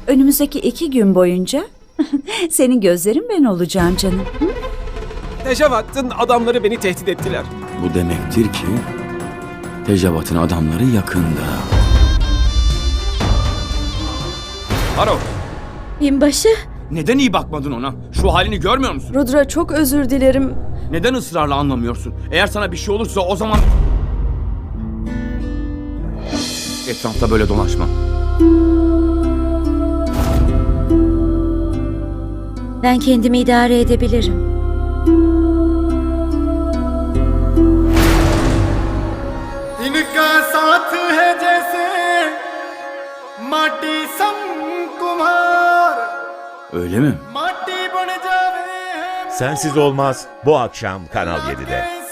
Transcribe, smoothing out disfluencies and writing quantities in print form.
Önümüzdeki 2 gün boyunca senin gözlerin ben olacağım canım. Hı? Tejavat'ın adamları beni tehdit ettiler. Bu demektir ki Tejavat'ın adamları yakında. Haro, Binbaşı, neden iyi bakmadın ona? Şu halini görmüyor musun? Rudra çok özür dilerim. Neden ısrarla anlamıyorsun? Eğer sana bir şey olursa o zaman... Etrafta böyle dolaşma. Ben kendimi idare edebilirim. इनका साथ है जैसे माटी सम कुम्हार Öyle mi? माटी बन जावे Sensiz Olmaz bu akşam Kanal 7'de.